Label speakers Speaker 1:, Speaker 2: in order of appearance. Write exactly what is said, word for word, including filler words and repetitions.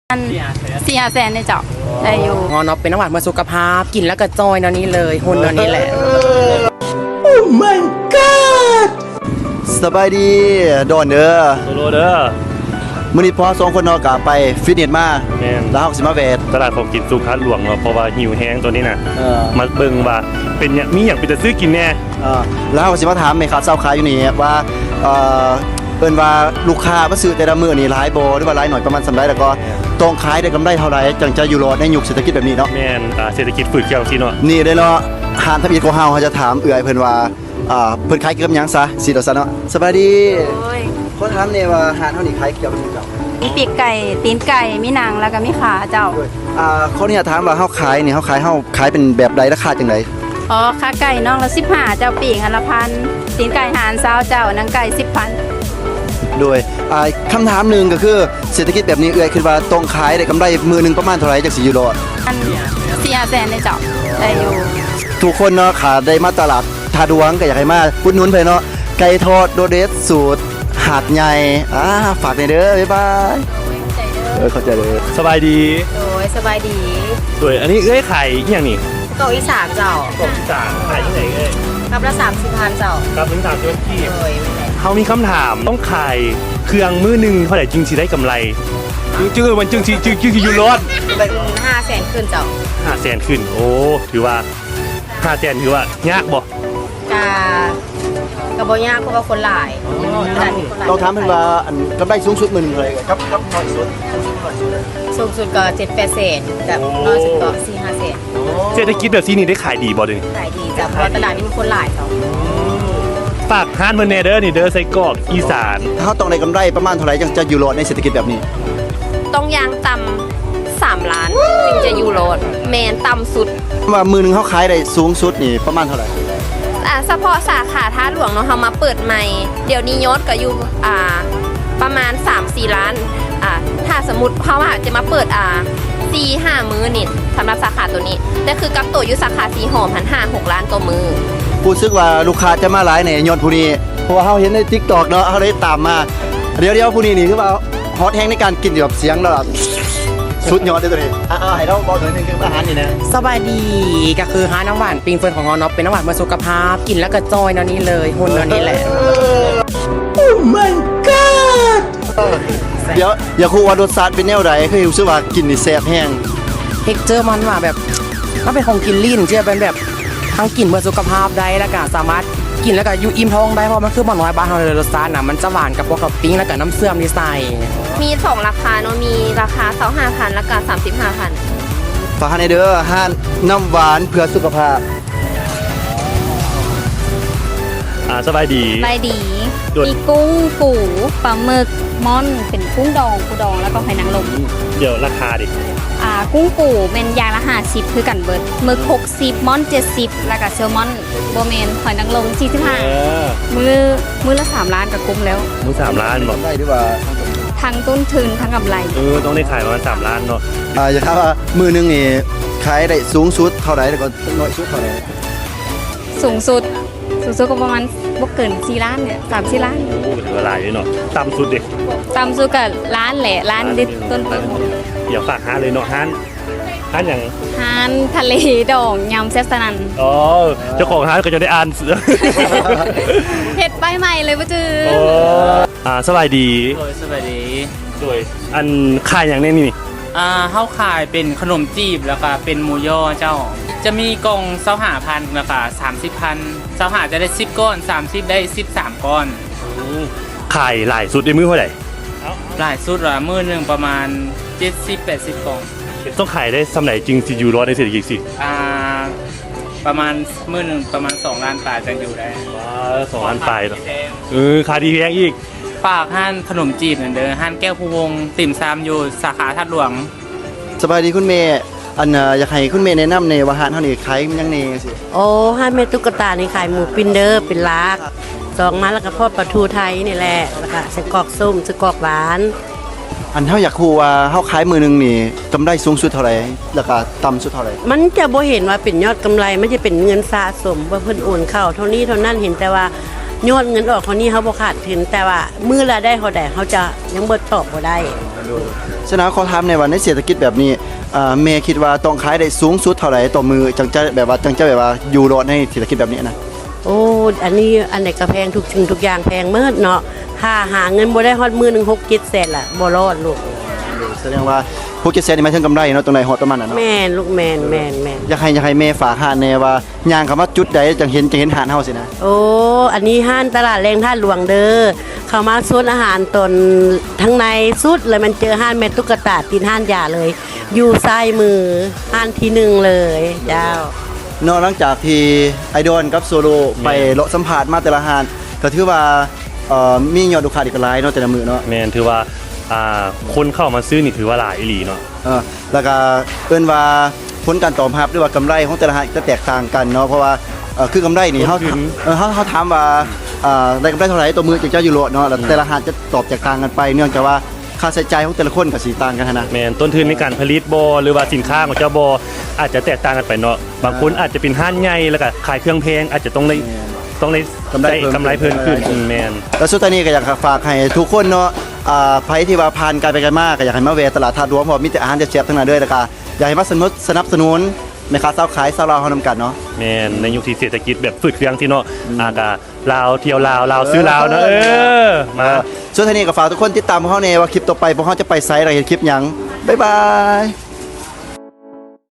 Speaker 1: อันสี่ห้าแสนในเจ้าได้อยู่งอนอเป็นน้ำหวานมาสุขภาพกินแล้วก็จอยนอนนี้เลยหุ่นนอนนี้แหละ
Speaker 2: โอ้ my god สบายดีดอนเด้อ
Speaker 3: โซโลเด้อ
Speaker 2: มื้อนี้พอสองคนเนาะก็ไปฟิตเนสมา
Speaker 3: แม่น
Speaker 2: แล้วเฮาสิมาแวะ
Speaker 3: ตลาดของกินสุขัดหลวงเนาะเพราะว่าหิวแห้งตัวนี้น่ะ
Speaker 2: เออ
Speaker 3: มาเบิ่งว่าเป็นหยังมีหยังเป็นจะซื้อกินแน่
Speaker 2: เออแล้วเฮาสิมาถามแม่ค้าเจ้าขายอยู่นี่ว่าเอ่อเอิ้นว่าลูกค้ามาซื้อแต่ละมื้อนี่หลายบ่หรือว่าหลายหน่อยประมาณส่ำใดแล้วก็ต้องขายได้กำไรเท่าใดจังจะอยู่รอดในยุคเศรษฐกิจแบบนี้เนาะ
Speaker 3: แม่นอ่าเศรษฐกิจฝืดเคี่ยวซี่เนาะ
Speaker 2: นี่เด้อเนาะหานทำอีกของเฮาเฮาจะถามเอื้อยเพิ่นว่าอ่าเพิ่นขายเกี่ยวกับหยังซะสิเดาซะเนาะสบายดี
Speaker 1: โอ้ย
Speaker 2: ขอถามแน่ว่าหานเฮานี่ขายเกี่ยวกับหยังเจ้า
Speaker 1: มีปีกไก่ตีนไก่มีหนังแล้วก็มีขาเจ้า
Speaker 2: อ่าเขาเนี่ยถามว่าเฮาขายนี่เฮาขายเฮาขายเป็นแบบใดราคาจังได
Speaker 1: อ๋อขาไก่น้องละสิบห้าเจ้าปีกอันละพันตีนไก่หารซาวเจ้าหนังไก่สิบพัน
Speaker 2: โดยอ่าคำถามหนึ่งก็คือเศรษฐกิจแบบนี้เอื้อยคิดว่าต้องขายได้กำไรมือหนึงประมาณเท่าไหร่จักสิอยู่รอด
Speaker 1: อันสี่ห้าแสนในเจ้าได้อยู่
Speaker 2: ทุกคนเนาะขาได้มาตลาดทาดวงก็อยากให้มาอุดหนุนเพิ่นเนาะไก่ทอดโดเดสสูตรหาดใหญ่อ่าฝากหน่อยเด้อบ๊ายบายเออเข้าใจเลย
Speaker 3: สบายดี
Speaker 1: โอ้ยสบายดี
Speaker 3: สวยอันนี้เอ้ยขายอีหยังนี่
Speaker 1: เกาะอีสานเจ้า
Speaker 3: เกาะอีสานขายที่ไหนเอ้ย
Speaker 1: ครับละสามสิบพันเจ้า
Speaker 3: ครับถึงสามสิบที่
Speaker 1: โอ้ย
Speaker 3: เฮามีคำถามต้องขายเครื่องมื้อนึงเท่าไหร่จึงสิได้กำไรจึงมันจึงสิจึงจึงสิอยู่รอด
Speaker 1: ห้าแสนขึ้นเจ้า
Speaker 3: ห้าแสนขึ้นโอ้ถือว่าห้าแสนถือว่ายากบ่
Speaker 1: กะกะบ่ยากเพราะว่าคนหลาย
Speaker 2: ต้องถามเพิ่นว่าอันกำไรสูงสุดมื้อนึงเท่าไหร่ครับครับน้อยสุด
Speaker 1: สูงสุดก็เจ็ดแปดแสนกับน้อยสุดก็สี่ห้าแสน
Speaker 3: เศรษฐกิจแบบนี้ได้ขายดีบ่เด้
Speaker 1: ขายดีจ้ะเพราะตลาดนี้มีคนหลายเจ้า
Speaker 3: ฝากร้านเพิ่นแน่เด้อนี่เด้อไส้กรอกอีสาน
Speaker 2: เฮาต้องได้กำไรประมาณเท่าไหร่จังจะอยู่รอดในเศรษฐกิจแบบนี้
Speaker 4: ต้องยางต่ำสามล้านจึงจะอยู่รอดแมนต่ำสุด
Speaker 2: ว่ามือนึงเฮาขายได้สูงสุดนี่ประมาณเท่าไหร่
Speaker 4: อ่าเฉพาะสาขาท่าหลวงเนาะเฮามาเปิดใหม่เดี๋ยวนี้ยอดก็อยู่อ่าประมาณ สามสี่ ล้านอ่าถ้าสมมุติเฮาว่าจะมาเปิดอ่าสี่ห้า มื้อนี่สำหรับสาขาตัวนี้แต่คือกับตัวอยู่สาขาสีหอมหันห้า หก ล้านต่อมื้อ
Speaker 2: รู้สึกว่าลูกค้าจะมาหลายในยอดผู้นี้เพราะว่าเฮาเห็นใน TikTok เนาะเฮาได้ตามมาเดี๋ยวๆผู้นี้นี่คือว่าฮอตแฮงในการกินแบบเสียงแล้วสุดยอดเลยตัวนี้อ่าให้เราบอกถึงนึงคืออาหารนี่นะ
Speaker 1: สบายดีก็คือหาน้ำหวานปิงเฟิร์นของงอนอเป็นน้ำหวานมาสุขภาพกินแล้วก็จอยนอนนี้เลยหุ่นนอนนี้แหละ
Speaker 2: โอ้ my god เดี๋ยวอย่าคูว่ารสชาติเป็นแนวใดคือรู้สึกว่ากินนี่แซ่บแห้ง
Speaker 1: เท็กเจอร์มันว่าแบบมันเป็นของกินลิ้นเชื่อเป็นแบบทั้งกินเพื่อสุขภาพได้แล้วก็สามารถกินแล้วก็อยู่อิ่มท้องได้เพราะมันคือมันน้อยบ้านเราเลยรสชาติน่ะมันจะหวานกับพวกท็อปปิ้งแล้วก็น้ำเสื่อมที่ใส่
Speaker 4: มีสองราคาเนาะมีราคาสองห้าพันแล้วก็สามสิบห้าพัน
Speaker 2: ฝากให้เด้อห้านน้ำหวานเพื่อสุขภาพ
Speaker 3: อ่าสบายดี
Speaker 4: สบายดีมีกุ้งปูปลาหมึกม่อนเป็นกุ้งดองปูดองแล้วก็หอยนางรม
Speaker 3: เดี๋ยวราคาดิ
Speaker 4: อ่ากุ้งปูเป็นยางละห้าสิบคือกันเบิดหมึกหกสิบม่อนเจ็ดสิบแล้วก็แซลมอนโบเมนหอยนางรมสี่สิบห้ามือมือละสามล้านกับกุ้งแล้ว
Speaker 3: มือสามล้านบอก
Speaker 2: ได้ดีกว่า
Speaker 4: ทั้งต้นทุนทั้งกำไร
Speaker 3: เออต้องได้ขายประมาณสามล้านเนาะ
Speaker 2: อ่าอย่าครับว่ามือนึงนี่ขายได้สูงสุดเท่าไหร่แล้วก็น้อยสุดเท่าไหร่
Speaker 4: สูงสุดสูงสุดก็ประมาณบ่เกินสี่ล้านเนี่ยสามสี่ล้าน
Speaker 3: โอ้ถือว่าหลายเลยเนาะต่ำสุดเด็ก
Speaker 4: ต่ำสุดก็ล้านแหละล้านดิต้นต้น
Speaker 3: เดี๋ยวฝากห้าเลยเนาะห้านห้านอย่าง
Speaker 4: ห้านทะเลดองยำแซ่บสนั่น
Speaker 3: อ๋อเจ้าของห้านก็จะได้อ่าน
Speaker 4: เฮ็ดไปใหม่เลยป่ะจื้อ
Speaker 3: อ่าสบายดี
Speaker 5: โอ้ยสบายดี
Speaker 3: สวยอันขายอย่างนี้นี่
Speaker 5: อ่าเฮาขายเป็นขนมจีบแล้วก็เป็นหมูย่อเจ้าจะมีกล่องเซาหาพันแล้วก็สามสิบพันเซาหาจะได้สิบก้อนสามสิบได้สิบสามก้อน
Speaker 3: ขายหลายสุดในมือเท่าไหร่
Speaker 5: หลายสุดละมื้อนึงประมาณเจ็ดสิบ แปดสิบกล่อง
Speaker 3: ต้องขายได้สำไหนจริงสิอยู่รอดในเศรษฐกิจสิ
Speaker 5: อ่าประมาณมื้อนึงประมาณสองล้านบาทจังอยู่ได้
Speaker 3: ว้าสองล้านบาทเออขายดีแพงอีก
Speaker 5: ฝากห้านขนมจีบเหมือนเดิมห้านแก้วภูวงติ่มซำอยู่สาขาทัดหลวง
Speaker 2: สบายดีคุณเมย์อันอยากให้คุณเมย์แนะนำในว่าห้านเท่านี้ขายยังไงสิ
Speaker 6: โอ้ห้านเมตุ๊กตานี่ขายหมูปิ้นเด้อเป็นลักสองมาแล้วก็ทอดปลาทูไทยนี่แหละแล้วก็ไส้กรอกส้มไส้กรอกหวาน
Speaker 2: อันเท่าอยากคูว่าเฮาขายมือนึงนี่กำไรสูงสุดเท่าไหร่แล้วก็ต่ำสุดเท่าไหร่
Speaker 6: มันจะบ่เห็นว่าเป็นยอดกำไรมันจะเป็นเงินสะสมว่าเพิ่นโอนเข้าเท่านี้เท่านั้นเห็นแต่ว่ายอดเงินออกคนนี้เขาบ่ขาดทุนแต่ว่ามื้อละได้เท่าใดเขาจะยังบ่ตอบบ่ได้
Speaker 2: ฉะนั้นขอถามในวันในเศรษฐกิจแบบนี้อ่าแม่คิดว่าต้องขายได้สูงสุดเท่าไหร่ต่อมือจังจะแบบว่าจังจะแบบว่าอยู่รอดในเศรษฐกิจแบบนี้นะ
Speaker 6: โอ้อันนี้อันไหนก็แพงทุกสิ่งทุกอย่างแพงเมิดเนาะถ้าหาเงินบ่ได้ฮอดมื้อหนึงหก เจ็ดแสนล่ะบ่รอดลูก
Speaker 2: แสดงว่าพวกเจ็ดแสนนี่หมายถึงกำไรเนาะตรงไหนฮอดประมาณนั้นเนาะ
Speaker 6: แม่นลูกแม่นแม่นแม่น
Speaker 2: อยากให้อยากให้แม่ฝากหานแน่ว่าย่างคำว่าจุดใดจังเห็นจังเห็นหานเฮาสินะ
Speaker 6: โอ้อันนี้ห้านตลาดแรงท่าหลวงเด้อเข้ามาสวนอาหารตนทั้งในสุดเลยมันเจอห้านแม่ตุ๊กตาตีนห้านยาเลย อยู่ซ้ายมือห้านที่หนึ่งเลยเจ้า
Speaker 2: เนาะหลังจากที่ไอดอลกับโซโลไปเลาะสัมภาษณ์มาแต่ละหานก็ถือว่าเอ่อมียอดลูกค้าอีกหลายเนาะแต่ละมื้อเนาะ
Speaker 3: แม่นถือว่าอ่าคนเข้ามาซื้อนี่ถือว่าหลายอีหลีเนาะ
Speaker 2: เออแล้วก็เอิ้นว่าผลการตอบรับหรือว่ากำไรของแต่ละหานจะแตกต่างกันเนาะเพราะว่าเอ่อคือกำไรนี่เฮาเออเฮาเฮาถามว่าอ่าได้กำไรเท่าไหร่ต่อมื้อจังจะอยู่โลดเนาะแล้วแต่ละหานจะตอบแตกต่างกันไป เนื่องจากว่าค่าใช้จ่ายของแต่ละคนก็สิต่างกันหั้นนะ
Speaker 3: แม่นต้นทุนในการผลิตบ่หรือว่าสินค้าของเจ้าบ่อาจจะแตกต่างกันไปเนาะบางคนอาจจะเป็นห้านใหญ่แล้วก็ขายเครื่องแพงอาจจะต้องได้ต้องได้
Speaker 2: กำไร
Speaker 3: ได้
Speaker 2: เพิ่ม
Speaker 3: กำไรเพิ่มขึ้นอืมแม่น
Speaker 2: แล้วสุดท้ายนี้ก็อยากฝากให้ทุกคนเนาะอ่าไผที่ว่าผ่านการไปกันมาก็อยากให้มาแวะตลาดทาดหลวงเพราะมีแต่อาหารแซ่บๆทั้งนั้นเด้อแล้วก็อยากให้มาสนับสนับสนุนแม่ค้าเซาขายเซาลาวเฮานำกันเนาะ
Speaker 3: แม่นในยุคที่เศรษฐกิจแบบฝืดเครื่องที่เนาะอากาลาวเที่ยวลาวลาวซื้อลาวเนาะเออมา
Speaker 2: ส่วนท้ายนี้ก็ฝากทุกคนติดตามพวกเฮาแน่ว่าคลิปต่อไปพวกเฮาจะไปไสอะไรเห็นคลิปหยังบ๊ายบาย